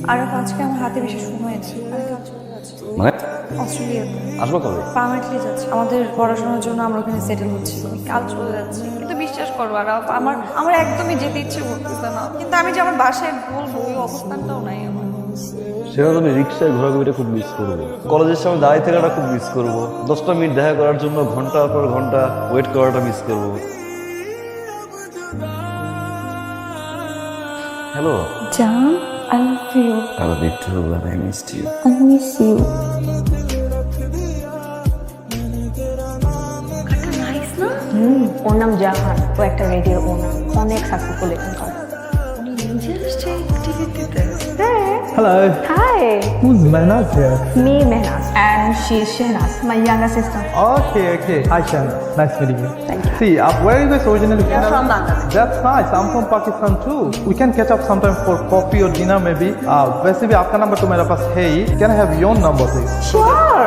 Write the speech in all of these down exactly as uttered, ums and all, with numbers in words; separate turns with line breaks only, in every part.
আর আজকে আমার হাতে বেশি সময় হয়েছে, আমি কাল চলে যাচ্ছি
মানে
অস্ট্রেলিয়াতে।
আসবো কবে?
পার্মানেন্টলি যাচ্ছি, আমাদের পড়াশোনার জন্য আমরা ওখানে সেটেল হচ্ছি। আমি কাল চলে যাচ্ছি, কিন্তু বিশ্বাস করো আর আমার আমার একদমই যেতে ইচ্ছে করতেছে না, কিন্তু আমি যে আমার বাসায় বলবো ওই অবস্থানটাও নাই আমার।
সেটা আমি রিক্সায় ঘোরাঘুরিটা খুব মিস করবো, কলেজের সামনে দাঁড়িয়ে থাকাটা খুব মিস করবো, দশটা মিনিট দেখা করার জন্য ঘন্টার পর ঘন্টা ওয়েট করাটা মিস করবো। হ্যালো
জান, I love you.
I love you too and I missed you.
I miss you. Nice না?
হুম, ওর নাম জাহান, ও একটা রেডিও ওনার, অনেক সাকসেসফুল একজন করে।
উনি নিজে আসছে টিভিতে।
হ্যাঁ।
Hello,
hi,
who's Manaz here?
me Mehnaz and she is Shehnaz, my younger sister.
Okay, okay. Hi, Shan. Nice meeting you.
Thank you.
See, uh, where are you guys originally
We are from Bangladesh.
That's nice. I'm from Pakistan too. We can catch up sometime for coffee or dinner maybe. Uh, वैसे भी आपका number तो मेरे पास है ही. Can I have your number please?
Sure.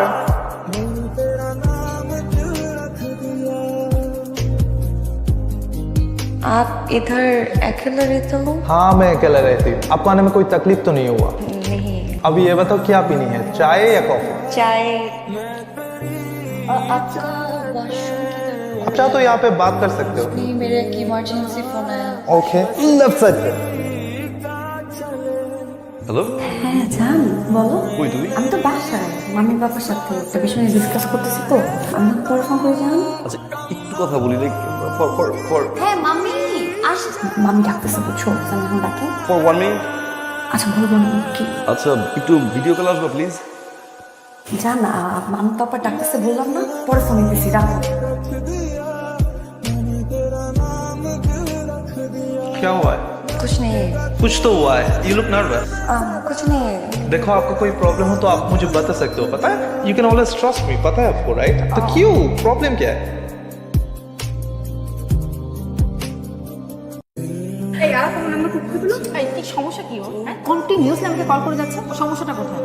आप इधर अकेले रहते हो?
हाँ, मैं अकेला रहती हूँ. आपको आने में कोई तकलीफ तो नहीं हुआ?
नहीं।
अभी ये बताओ क्या पीनी है, चाय या कॉफी?
चाय। आपका वॉशरूम किधर?
अच्छा, तो यहाँ पे बात कर सकते हो.
नहीं, मेरा एक इमरजेंसी फोन आया।
Okay. Left side पे.
হ্যালো,
হ্যাঁ জান, বলো।
কই তুমি?
আমি তো বাসায় মাম্মি বাবার সাথে একটা বিষয় নিয়ে ডিসকাস করতেছি, তো আমি পরে ফোন করে জান।
আচ্ছা একটু কথা বলি লাইক ফর ফর ফর
হ্যাঁ মাম্মি আসছে। মাম্মি ডাকতেছে, বুঝছো? আমি এখন ডাকে।
For one minute.
আচ্ছা বলবো না কি
আচ্ছা একটু ভিডিও কল আসবে প্লিজ।
জান, মাম্মি পাপা ডাকতেছে বললাম না, পরে ফোন দিতেছি, রাখো।
क्या हुआ है?
कुछ नहीं।
कुछ तो हुआ है. You look nervous.
आ, कुछ नहीं।
देखो, आपको कोई प्रॉब्लम हो तो आप मुझे बता सकते हो, पता है? You can always trust me, पता है आपको, राइट? तो क्यों, प्रॉब्लम क्या है?
এই আর কোন নাম্বার খুব খুবলো? এই কি সমস্যা কি ওর? হ্যাঁ, কন্টিনিউয়াসলি আমাকে কল করে যাচ্ছে। সমস্যাটা কোথায়?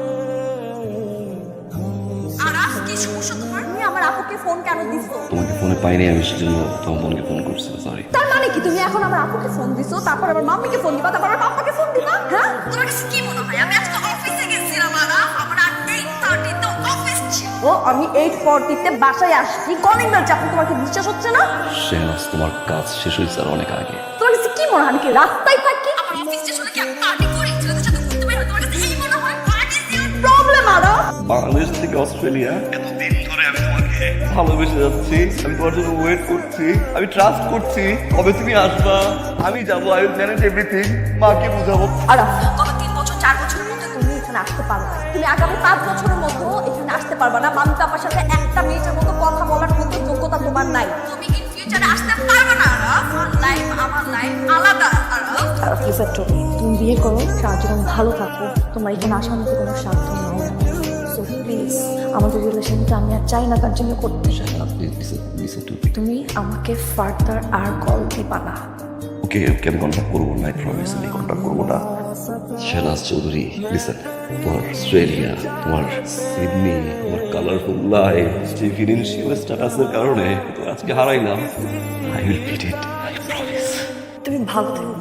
আরাফ, কি সমস্যা তোমার? তুমি আমার আপুকে ফোন কেন দিছো?
তোমাকে ফোনে পাইনি আমি, সেজন্য তোমার বোনকে ফোন করছি, সরি।
তার মানে কি তুমি এখন আমার আপুকে ফোন দিছো, তারপর আবার মাম্মিকে ফোন দিবা, তারপর আবার পাপাকে ফোন দিবা? হ্যাঁ, তোমার কাছে কি মনে হয় আমি আজকে অফিসে গেছিলাম আরাফ, আমার আট থার্টি তে অফিস ছিল। ও আমি এইট ফর্টি তে বাসায় আসছি, কলিং বেল চাপনি, তোমার কি বিশ্বাস হচ্ছে না?
শেহনাজ, তোমার কাজ শেষ হয়েছে আর অনেক আগে।
তোমার কাছে কি মনে হয় আমি কি রাস্তায় থাকি? আমার অফিস স্টেশনে কি আমি পার্টি করি? ছেলেদের সাথে ঘুরতে বের হই, তোমার কাছে এই মনে হয়? What is your problem Araf?
Bangladesh থেকে অস্ট্রেলিয়া এতদিন ধরে আমি তোমাকে ভালোবেসে যাচ্ছি, আমি তোমার জন্য ওয়েট করছি, আমি ট্রাস্ট করছি কবে তুমি আসবা, আমি যাবো, আই উইল ম্যানেজ এভরিথিং, মাকে বুঝাবো।
আরাফ, গত তিন বছর চার বছরের মধ্যে তুমি এখানে আসতে পারবে না, তুমি আগামী পাঁচ বছরের মধ্যে এখানে আসতে পারবে না। মাম্মি পাপার সাথে একটা মিনিটের মতো কথা বলার মতো যোগ্যতা তোমার নাই, তুমি ইন ফিউচারে আসতে পারবে না আরাফ। লাইফ আমার লাইফ আলাদা Araf. Araf listen to me, তুমি বিয়ে করো, সারা জীবন ভালো থাকো, তোমার এখানে আসার মতো কোনো স্বার্থ নেই। সো প্লিজ, আমাদের রিলেশনটা আমি আর চাই না কন্টিনিউ করতে। তুমি আমাকে ফার্দার আর কল দিবা না।
ওকে ওকে, আমি কন্ট্যাক্ট করবো না, আই প্রমিস আমি কন্ট্যাক্ট করবো না। শেহনাজ চৌধুরী, লিসেন, তোমার অস্ট্রেলিয়া, তোমার সিডনি, তোমার কালারফুল লাইফ, যে ফিনান্সিয়াল স্ট্যাটাসের কারণে তো আজকে হারাইলাম, I will beat it, I promise.
তুমি ভালো থেকো।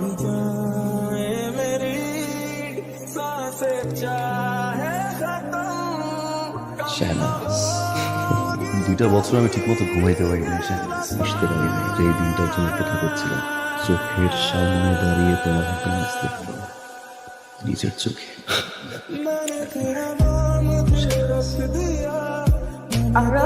শেহনাজ, দুইটা বছর আমি ঠিকমতো ঘুমাইতে পারিনি, শেহনাজ, বুঝতে পারিনি যে এই দিনটার জন্য অপেক্ষা করছিলাম। চোখের সামনে দাঁড়িয়ে তোমার হ্যাপিনেস দেখলাম নিজের চোখে।
আমরা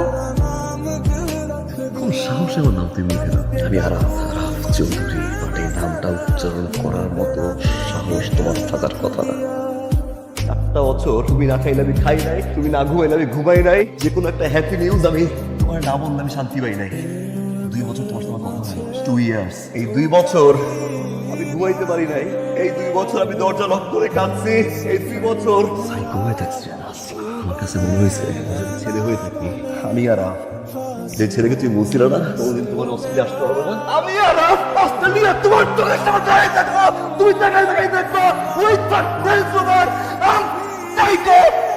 কোন সাহসে আমার নাম তুমি মুখে দাও? আমি আরাফ, আরাফ চৌধুরী, বাট এই নামটা উচ্চারণ করার মতো সাহস তোমার থাকার কথা না। চারটা বছর তুমি না খাইলে আমি খাই নাই, তুমি না ঘুমাইলে আমি ঘুমাই নাই, যে কোনো একটা হ্যাপি নিউজ আমি তোমার না বললে আমি শান্তি পাই নাই। দুই বছর তোমার সঙ্গে কথা ছিল, টু ইয়ার্স। এই দুই বছর আমি ঘুমাইতে পারি নাই, এই দুই বছর আমি দরজা লক করে কাঁদছি, এই দুই বছর সাইকো হয়ে থাকছি। আমার কাছে মনে হয়েছে ছেলে হয়ে থাকি আমি আরাফ, যে ছেলেকে তুই বলছিল না কোনদিন তোমার অস্ট্রেলিয়া আসতে হবে না, আমি আরাফ অস্ট্রেলিয়া তোমার চোখের সামনে দাঁড়িয়ে থাকবো, তুমি তাকাই তাকাই দেখবো, ওই থাকবে তোমার সাইকো।